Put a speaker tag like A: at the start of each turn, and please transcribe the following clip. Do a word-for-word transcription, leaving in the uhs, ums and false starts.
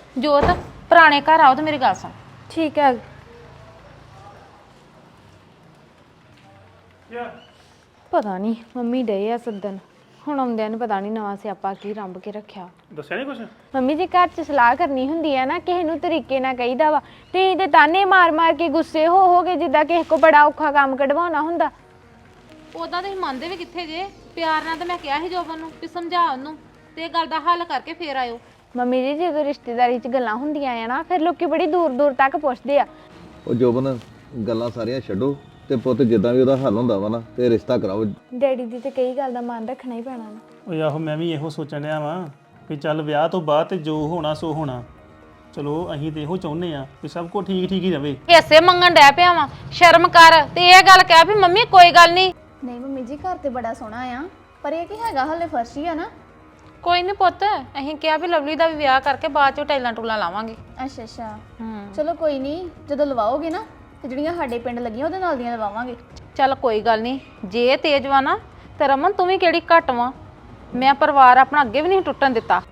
A: ਜੋਤ ਪੁਰਾਣੇ ਘਰ ਆਓ ਤੇ ਮੇਰੀ ਗੱਲ ਸੁਣ।
B: ਠੀਕ ਹੈ। ਪਤਾ ਨਹੀਂ ਮੰਮੀ ਡੇ ਆ ਸੱਦਣ, ਹੁਣ ਆਉਂਦਿਆਂ ਨੂੰ ਪਤਾ ਨਹੀਂ ਨਵਾਂ ਸਿਆਪਾ ਕੀ ਰੰਭ ਕੇ ਰੱਖਿਆ।
C: ਦੱਸਿਆ ਨਹੀਂ ਕੁਛ?
B: ਮੰਮੀ ਜੀ ਘਰ 'ਚ ਸਲਾਹ ਕਰਨੀ ਹੁੰਦੀ ਹੈ ਨਾ, ਕਿਸੇ ਨੂੰ ਤਰੀਕੇ ਨਾਲ ਕਹੀਦਾ ਵਾ ਤੇ ਇਹਦੇ ਤਾਨੇ ਮਾਰ ਮਾਰ ਕੇ ਗੁੱਸੇ ਹੋ ਹੋ ਕੇ ਜਿੱਦਾਂ ਕਿਸੇ ਕੋ ਬੜਾ ਔਖਾ ਕੰਮ ਕਢਵਾਉਣਾ ਹੁੰਦਾ।
A: ਉਦਾਂ ਤੁਸੀਂ ਮੰਨਦੇ ਵੀ ਕਿੱਥੇ ਜੇ? ਪਿਆਰ ਨਾਲ ਤਾਂ ਮੈਂ ਕਿਹਾ ਸੀ ਜੋਬਨ ਨੂੰ ਵੀ ਸਮਝਾ ਉਹਨੂੰ ਤੇ ਇਹ ਗੱਲ ਦਾ ਹੱਲ ਕਰਕੇ ਫੇਰ ਆਇਓ।
B: ਮੰਮੀ ਜੀ ਜਦੋਂ ਰਿਸ਼ਤੇਦਾਰੀ 'ਚ ਗੱਲਾਂ ਹੁੰਦੀਆਂ ਆ ਨਾ ਫਿਰ ਲੋਕੀ ਬੜੀ ਦੂਰ ਦੂਰ ਤੱਕ ਪੁੱਛਦੇ ਆ।
D: ਉਹ ਜੋਬਨ ਗੱਲਾਂ ਸਾਰੀਆਂ ਛੱਡੋ ਤੇ ਪੁੱਤ ਜਿੱਦਾਂ ਵੀ ਉਹਦਾ ਹੱਲ ਹੁੰਦਾ ਵਾ ਨਾ ਤੇ ਰਿਸ਼ਤਾ ਕਰਾਓ।
B: ਡੈਡੀ ਦੀ ਤੇ ਕਈ ਗੱਲ ਦਾ ਮਾਨ ਰੱਖਣਾ ਹੀ ਪੈਣਾ ਨਾ।
C: ਉਹ ਆਹੋ ਮੈਂ ਵੀ ਇਹੋ ਸੋਚਣ ਡਿਆ ਵਾਂ ਵੀ ਚੱਲ ਵਿਆਹ ਤੋਂ ਬਾਅਦ ਤੇ ਜੋ ਹੋਣਾ ਸੋ ਹੋਣਾ। ਚਲੋ ਅਸੀਂ ਤੇ ਇਹੋ ਚਾਹੁੰਦੇ ਆ ਕਿ ਸਭ ਕੁਝ ਠੀਕ ਠੀਕ ਹੀ ਰਵੇ।
A: ਹਿੱਸੇ ਮੰਗਣ ਡੈ ਪਿਆ ਵਾਂ, ਸ਼ਰਮ ਕਰ ਤੇ ਇਹ ਗੱਲ ਕਹਿ ਵੀ ਮੰਮੀ ਕੋਈ ਗੱਲ ਨਹੀਂ।
E: ਨਹੀਂ ਮੰਮੀ ਜੀ ਘਰ ਤੇ ਬੜਾ ਸੋਹਣਾ ਆ, ਪਰ ਇਹ ਕੀ ਹੈਗਾ ਹਲੇ ਫਰਸ਼ ਹੀ ਆ ਨਾ।
A: ਕੋਈ ਨਹੀਂ ਪੁੱਤ, ਅਸੀਂ ਕਿਹਾ ਵੀ ਲਵਲੀ ਦਾ ਵੀ ਵਿਆਹ ਕਰਕੇ ਬਾਅਦ ਚੋਂ ਟੈਲਾਂ ਟੂਲਾਂ ਲਾਵਾਂਗੇ।
E: ਅੱਛਾ ਅੱਛਾ
A: ਹੂੰ
E: ਚਲੋ ਕੋਈ ਨਹੀਂ, ਜਦੋਂ ਲਵਾਓਗੇ ਨਾ ਤੇ ਜਿਹੜੀਆਂ ਸਾਡੇ ਪਿੰਡ ਲੱਗੀਆਂ ਉਹਦੇ ਨਾਲ ਦੀਆਂ ਲਵਾਵਾਂਗੇ।
A: ਚੱਲ ਕੋਈ ਗੱਲ ਨਹੀਂ, ਜੇ ਤੇਜ਼ ਵਾ ਨਾ ਤੇ ਰਮਨ ਤੂੰ ਵੀ ਕਿਹੜੀ ਘੱਟ ਵਾ। ਮੈਂ ਪਰਿਵਾਰ ਆਪਣਾ ਅੱਗੇ ਵੀ ਨਹੀਂ ਟੁੱਟਣ ਦਿੱਤਾ।